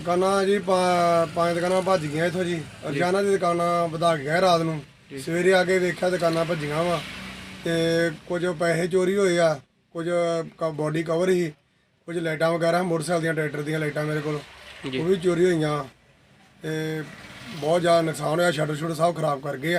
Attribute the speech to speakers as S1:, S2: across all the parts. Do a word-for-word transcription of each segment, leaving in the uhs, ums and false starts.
S1: दुकाना जी पांच दुकाना भज गई इतों जी रजाना की दुकाना वधा गया रात को सवेरे आके देखा दुकाना भजिया वा तो कुछ पैसे चोरी होए आ कुछ बॉडी कवर ही कुछ लाइटा वगैरह मोटरसाइकिल ट्रैक्टर दी लाइटा मेरे को भी चोरी हुई तो बहुत ज़्यादा नुकसान होया शटर शुटर सब खराब कर गए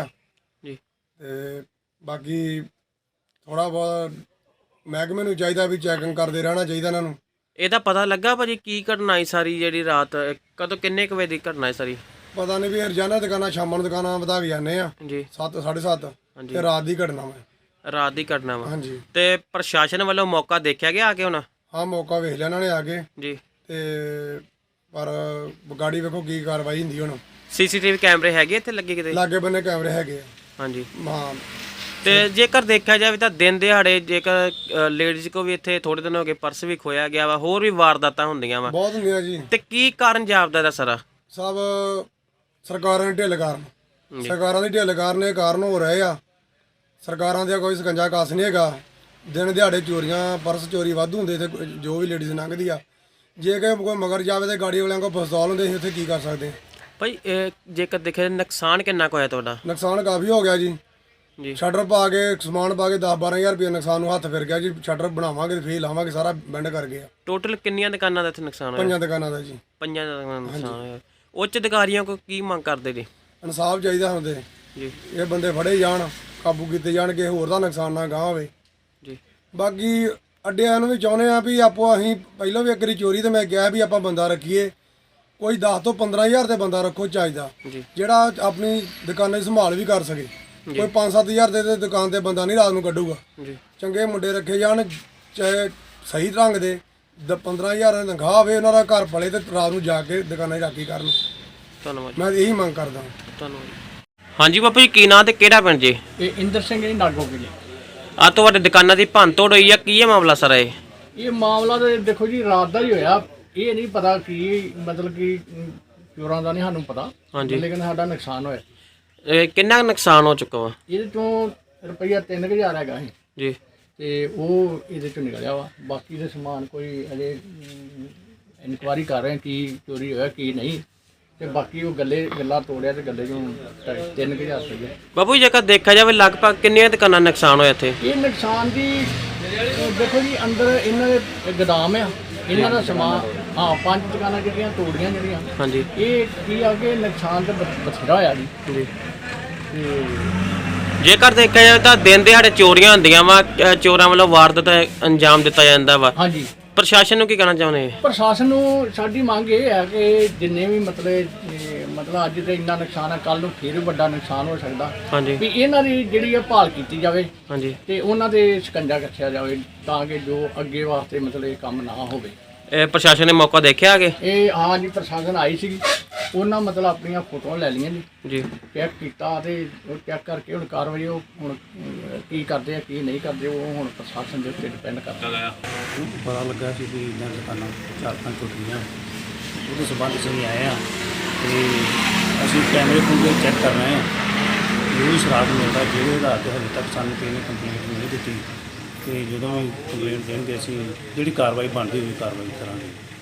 S1: आ बाकी थोड़ा बहुत महकमे नूं चाहिए भी चैकिंग करते रहना चाहिए इन्होंने।
S2: ਇਹਦਾ ਪਤਾ ਲੱਗਾ ਭਾਜੀ ਕੀ ਘਟਨਾ ਹੈ ਸਾਰੀ ਜਿਹੜੀ ਰਾਤ ਕਦੋਂ ਕਿੰਨੇ ਕੁ ਵਜੇ ਦੀ ਘਟਨਾ ਹੈ ਸਾਰੀ?
S1: पता नहीं भी रजाना दुकाना शाम दुकाना वधा के जाने
S2: जी
S1: सत्त साढ़े सत्त ते रात की घटना वा
S2: ਰਾਤ ਦੀ ਘਟਨਾ ਵਾ
S1: हाँ जी।
S2: ਤੇ ਪ੍ਰਸ਼ਾਸਨ ਵੱਲੋਂ ਮੌਕਾ ਦੇਖਿਆ ਗਿਆ ਆ ਕੇ ਹੁਣ?
S1: हाँ मौका वेख लिया इन्होंने आके
S2: जी
S1: ते पर गाड़ी वेखो की कार्रवाई हुंदी हुण।
S2: ਸੀਸੀਟੀਵੀ ਕੈਮਰੇ ਹੈਗੇ ਇੱਥੇ ਲੱਗੇ ਕਿਤੇ?
S1: लागे बन्ने कैमरे हैगे
S2: ਹਾਂਜੀ।
S1: हाँ
S2: ਤੇ ਜੇਕਰ ਦੇਖਿਆ ਜਾਵੇ ਤਾਂ ਦਿਨ ਦਿਹਾੜੇ ਜੇਕਰ ਲੇਡੀਜ਼ ਕੋ ਵੀ ਇੱਥੇ ਥੋੜੇ ਦਿਨ ਹੋ ਗਏ ਪਰਸ ਵੀ ਖੋਇਆ ਗਿਆ ਵਾ ਹੋਰ ਵੀ ਵਾਰਦਾਤਾਂ ਹੁੰਦੀਆਂ ਵਾ
S1: बहुत हुंदियां जी।
S2: ਤੇ ਕੀ ਕਾਰਨ ਜਾਪਦਾ ਦਾ ਸਾਰਾ?
S1: सब सरकारां दी ढिल कारण सरकारां दी ढिल कारण ये कारण हो रहे आ। सरकारां दा कोई सकंजा कस नहीं हैगा। दिन दिहाड़े चोरियां परस चोरी वाधू हुंदे ते जो भी लेडीज़ लंघदी आ जे कि कोई मगर जावे ते गाड़ी वालियां को पिस्तौल हुंदे उत्थे की कर सकदे।
S2: ਭਾਈ ਇਹ ਜੇਕਰ ਦੇਖਿਆ ਨੁਕਸਾਨ ਕਿੰਨਾ ਕੁ ਹੋਇਆ ਤੁਹਾਡਾ?
S1: नुकसान काफ़ी हो गया जी।
S2: जी
S1: शटर पा के समान पा के दस बारह हज़ार रुपये नुकसान नूं हत्थ फिर गया जी। शटर बनावांगे फे लावांगे सारा बेंड कर गया।
S2: ਟੋਟਲ ਕਿੰਨੀਆਂ ਦੁਕਾਨਾਂ ਦਾ ਇੱਥੇ ਨੁਕਸਾਨ ਹੋਇਆ?
S1: पंजां दुकानां दा जी।
S2: ਪੰਜਾਂ ਦਾ ਨੁਕਸਾਨ ਹੋਇਆ। ਉੱਚ ਅਧਿਕਾਰੀਆਂ ਕੋ ਕੀ ਮੰਗ ਕਰਦੇ ਜੀ?
S1: ਇਨਸਾਫ ਚਾਹੀਦਾ ਹੁੰਦੇ
S2: ਜੀ
S1: ਇਹ ਬੰਦੇ ਫੜੇ ਜਾਣ ਕਾਬੂ ਕੀਤੇ ਜਾਣ ਕਿ ਹੋਰ ਦਾ ਨੁਕਸਾਨ ਨਾ ਗਾਹ ਹੋਵੇ।
S2: ਜੀ
S1: ਬਾਕੀ ਅੱਡਿਆਂ ਨੂੰ ਵੀ ਚਾਹੁੰਦੇ ਆ ਵੀ ਆਪੋ ਅਸੀਂ ਪਹਿਲਾਂ ਵੀ ਇੱਕ ਵਾਰੀ ਚੋਰੀ ਤੇ ਮੈਂ ਕਿਹਾ ਵੀ ਆਪਾਂ ਬੰਦਾ ਰੱਖੀਏ ਕੋਈ ਦਸ ਤੋਂ ਪੰਦਰਾਂ ਹਜ਼ਾਰ ਤੇ ਬੰਦਾ ਰੱਖੋ ਚਾਹੀਦਾ
S2: ਜੀ
S1: ਜਿਹੜਾ ਆਪਣੀ ਦੁਕਾਨਾਂ ਦੀ ਸੰਭਾਲ ਵੀ ਕਰ ਸਕੇ। ਕੋਈ ਪੰਜ ਸੱਤ ਹਜ਼ਾਰ ਦੇ ਤੇ ਦੁਕਾਨ ਤੇ ਬੰਦਾ ਨਹੀਂ ਰਾਤ ਨੂੰ ਕੱਢੂਗਾ।
S2: ਜੀ
S1: ਚੰਗੇ ਮੁੰਡੇ ਰੱਖੇ ਜਾਣ ਚਾਹੇ ਸਹੀ ਢੰਗ ਦੇ ਦ ਪੰਦਰਾਂ ਹਜ਼ਾਰ ਦੀ ਤਨਖਾਹ ਹੋਵੇ ਉਹਨਾਂ ਦਾ ਘਰ ਪਲੇ ਤੇ ਰਾਤ ਨੂੰ ਜਾ ਕੇ ਦੁਕਾਨਾਂ 'ਚ ਰਾਖੀ ਕਰਨ।
S2: ਧੰਨਵਾਦ
S1: ਮੈਂ ਇਹੀ ਮੰਗ ਕਰਦਾ।
S2: ਧੰਨਵਾਦ। ਹਾਂਜੀ ਬਾਪੂ ਜੀ ਕੀ ਨਾਂ ਤੇ ਕਿਹੜਾ ਪਿੰਡ ਜੀ?
S3: ਇਹ ਇੰਦਰ ਸਿੰਘ ਜੀ ਨਾਗੋਕੇ ਜੀ।
S2: ਆ ਤੁਹਾਡੇ ਦੁਕਾਨਾਂ ਦੀ ਭੰਨ ਤੋੜ ਹੋਈ ਆ ਕੀ ਹੈ ਮਾਮਲਾ ਸਾਰਾ ਇਹ?
S3: ਇਹ ਮਾਮਲਾ ਤਾਂ ਦੇਖੋ ਜੀ ਰਾਤ ਦਾ ਹੀ ਹੋਇਆ। ਇਹ ਨਹੀਂ ਪਤਾ ਕੀ ਮਤਲਬ ਕਿ ਚੋਰਾਂ ਦਾ ਨਹੀਂ ਸਾਨੂੰ ਪਤਾ
S2: ਹਾਂਜੀ।
S3: ਲੇਕਿਨ ਸਾਡਾ ਨੁਕਸਾਨ ਹੋਇਆ।
S2: ਇਹ ਕਿੰਨਾ ਕੁ ਨੁਕਸਾਨ ਹੋ ਚੁੱਕਾ ਵਾ?
S3: ਇਹਦੇ ਚੋਂ ਰੁਪਈਆ ਤਿੰਨ ਕੁ ਹਜ਼ਾਰ ਹੈਗਾ ਸੀ
S2: ਜੀ
S3: ਤੇ ਉਹ ਇਹਦੇ ਚੋਂ ਨਿਕਲਿਆ ਵਾ। ਬਾਕੀ ਦੇ ਸਮਾਨ ਕੋਈ ਅਜੇ ਇਨਕੁਆਰੀ ਕਰ ਰਹੇ ਕੀ ਚੋਰੀ ਹੋਇਆ ਕੀ ਨਹੀਂ ਤੇ ਬਾਕੀ ਉਹ ਗੱਲੇ ਗੱਲਾਂ ਤੋੜਿਆ ਤੇ ਗੱਲੇ ਚੋਂ ਤਿੰਨ ਕੁ ਹਜ਼ਾਰ ਰੁਪਈਆ।
S2: ਬਾਪੂ ਜੀ ਜੇਕਰ ਦੇਖਿਆ ਜਾਵੇ ਲਗਭਗ ਕਿੰਨੀਆਂ ਦੁਕਾਨਾਂ ਨੁਕਸਾਨ ਹੋਇਆ ਇੱਥੇ?
S3: ਇਹ ਨੁਕਸਾਨ ਦੀ ਦੇਖੋ ਜੀ ਅੰਦਰ ਇਹਨਾਂ ਦੇ ਗੋਦਾਮ ਆ ਇਹਨਾਂ ਦਾ ਸਮਾਨ। ਹਾਂ ਪੰਜ ਦੁਕਾਨਾਂ ਜਿਹੜੀਆਂ ਤੋੜੀਆਂ ਜਿਹੜੀਆਂ
S2: ਹਾਂਜੀ
S3: ਇਹ ਕੀ ਆ ਕਿ ਨੁਕਸਾਨ ਤਾਂ ਬਥ- ਬਥੇਰਾ ਹੋਇਆ ਜੀ।
S2: ਜੀ
S3: ਤੇ
S2: ਜੇਕਰ ਦੇਖਿਆ ਜਾਵੇ ਤਾਂ ਦਿਨ ਦਿਹਾੜੇ ਚੋਰੀਆਂ ਹੁੰਦੀਆਂ ਵਾ ਚੋਰਾਂ ਵੱਲੋਂ ਵਾਰਦਾਤ ਅੰਜਾਮ ਦਿੱਤਾ ਜਾਂਦਾ ਵਾ।
S3: ਹਾਂਜੀ
S2: ਪ੍ਰਸ਼ਾਸਨ ਨੂੰ ਕੀ ਕਹਿਣਾ ਚਾਹੁੰਦੇ?
S3: ਪ੍ਰਸ਼ਾਸਨ ਨੂੰ ਸਾਡੀ ਮੰਗ ਇਹ ਹੈ ਕਿ ਜਿੰਨੇ ਵੀ ਮਤਲਬ ਇਹ ਮਤਲਬ ਅੱਜ ਤੇ ਇੰਨਾ ਨੁਕਸਾਨ ਹੈ ਕੱਲ ਨੂੰ ਫਿਰ ਵੀ ਵੱਡਾ ਨੁਕਸਾਨ ਹੋ ਸਕਦਾ
S2: ਹਾਂਜੀ
S3: ਵੀ ਇਹਨਾਂ ਦੀ ਜਿਹੜੀ ਇਹ ਭਾਲ ਕੀਤੀ ਜਾਵੇ
S2: ਹਾਂਜੀ
S3: ਤੇ ਉਹਨਾਂ ਦੇ ਸ਼ਿਕੰਜਾ ਕੱਸਿਆ ਜਾਵੇ ਤਾਂ ਕਿ ਜੋ ਅੱਗੇ ਵਾਸਤੇ ਮਤਲਬ ਇਹ ਕੰਮ ਨਾ ਹੋਵੇ।
S2: ਇਹ ਪ੍ਰਸ਼ਾਸਨ ਨੇ ਮੌਕਾ ਦੇਖਿਆ ਆਗੇ?
S3: ਇਹ ਹਾਂ ਜੀ ਪ੍ਰਸ਼ਾਸਨ ਆਈ ਸੀਗੀ ਉਹਨਾਂ ਮਤਲਬ ਆਪਣੀਆਂ ਫੋਟੋਆਂ ਲੈ ਲਈਆਂ ਜੀ
S2: ਜੀ
S3: ਚੈੱਕ ਕੀਤਾ ਤੇ ਉਹ ਚੈੱਕ ਕਰਕੇ ਹੁਣ ਕਾਰਵਾਈ ਉਹ ਹੁਣ ਅਹ, ਕੀ ਕਰਦੇ ਆ ਕੀ ਨਹੀਂ ਕਰਦੇ ਉਹ ਹੁਣ ਪ੍ਰਸ਼ਾਸਨ ਦੇ ਉੱਤੇ ਡਿਪੈਂਡ ਕਰਦਾ।
S4: ਪਤਾ ਲੱਗਾ ਸੀ ਵੀ ਇਹਨਾਂ ਦੁਕਾਨਾਂ ਚਾਰ ਪੰਜ ਟੁੱਟੀਆਂ ਉਹਦੇ ਸੰਬੰਧ 'ਚ ਅਸੀਂ ਆਏ ਹਾਂ ਤੇ ਅਸੀਂ ਕੈਮਰੇ ਕੂਮਰੇ ਚੈੱਕ ਕਰ ਰਹੇ ਹਾਂ। ਜੋ ਵੀ ਸ਼ਰਾਬ ਮਿਲਦਾ ਜਿਹੜੇ ਆਧਾਰ 'ਤੇ ਹਜੇ ਤੱਕ ਸਾਨੂੰ ਕਿਸੇ ਨੇ ਕੰਪਲੇਂਟ ਨਹੀਂ ਦਿੱਤੀ ਤੇ ਜਦੋਂ ਕੰਪਲੇਂਟ ਦੇਣਗੇ ਅਸੀਂ ਜਿਹੜੀ ਕਾਰਵਾਈ ਬਣਦੀ ਹੋਈ ਕਾਰਵਾਈ ਕਰਾਂਗੇ।